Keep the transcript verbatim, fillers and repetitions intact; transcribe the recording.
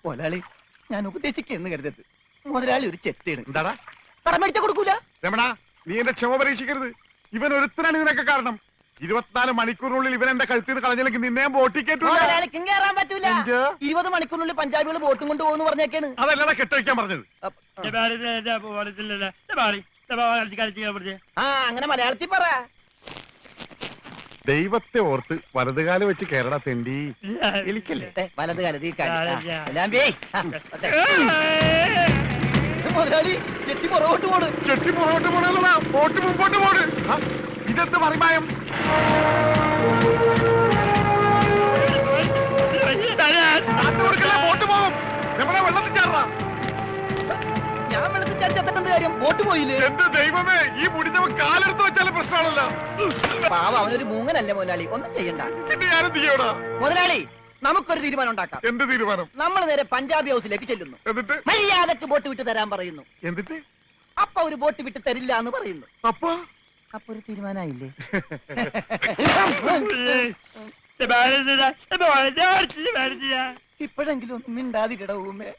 മുതലാളി ഞാൻ ഉപദേശിക്കുന്നു കരുതരുത്. മുതലാളി ഒരു ചെത്തേണ്. എന്താടാ കടം മേടിച്ച കൊടുക്കൂല. രമണ, നീ എന്റെ ക്ഷമ പരീക്ഷിക്കരുത്. ഇവൻ ഒരുത്തനാണ് ഇതിനൊക്കെ കാരണം. ഇരുപത്തിനാല് മണിക്കൂറിനുള്ളിൽ ഇവൻ എന്റെ കഴുത്തിൽ നിന്ന് കളഞ്ഞില്ലെങ്കിൽ നിന്നെ ബോട്ടിക്കേറ്റു. മുതലാളിക്കും കയറാൻ പറ്റൂല. ഇരുപത് മണിക്കൂറിനുള്ളിൽ പഞ്ചാബികൾ ബോട്ടും കൊണ്ട് പോകുന്നു പറഞ്ഞേക്കാണ്. അതല്ലടാ കെട്ടഴിക്കാൻ പറഞ്ഞത്. ആ അങ്ങനെ മലയാളത്തിൽ പറ. ദൈവത്തെ ഓർത്ത് വലതുകാല് വെച്ച് കേരള തെണ്ടി എലിക്കല്ലേ. വലത് കാലത്ത് മുതലാളി ചെട്ടി പുറകോട്ട് പോണ്. ചെട്ടി പുറകോട്ട് പോണല്ലടാ, ബോട്ട് മുമ്പോട്ട് പോണ്. ഇതെന്ത് മറിമായം? ബോട്ട് പോകും. നമ്മളെ വെള്ളത്തിൽ ചാടാ. ഞാൻ വെള്ളത്തിൽ ചാടി ചത്തിട്ടെന്ത് കാര്യം? ബോട്ട് പോയില്ലേ? എന്റെ ദൈവമേ, ഈ മുടിഞ്ഞവൻ കാലെടുത്ത് വെച്ചാലും പ്രശ്നമാണല്ലോ. പാവ, അവനൊരു മൂങ്ങനല്ലേ മുതലാളി, ഒന്നും ചെയ്യണ്ട. പിന്നെ ഞാനും ചെയ്യടാ. മുതലാളി നമുക്കൊരു തീരുമാനം ഉണ്ടാക്കാം. എന്ത് തീരുമാനം? നമ്മൾ നേരെ പഞ്ചാബി ഹൗസിലേക്ക് ചെല്ലുന്നു. എന്നിട്ട് മര്യാദക്ക് ബോട്ട് വിട്ട് തരാൻ പറയുന്നു. എന്നിട്ട് അപ്പൊ ഒരു ബോട്ട് വിട്ട് തരില്ല എന്ന് പറയുന്നു. അപ്പൊ അപ്പൊ ഒരു തീരുമാനമായില്ലേ? ഇപ്പോഴെങ്കിലും ഒന്നും മിണ്ടാതിരിട ഊമേ.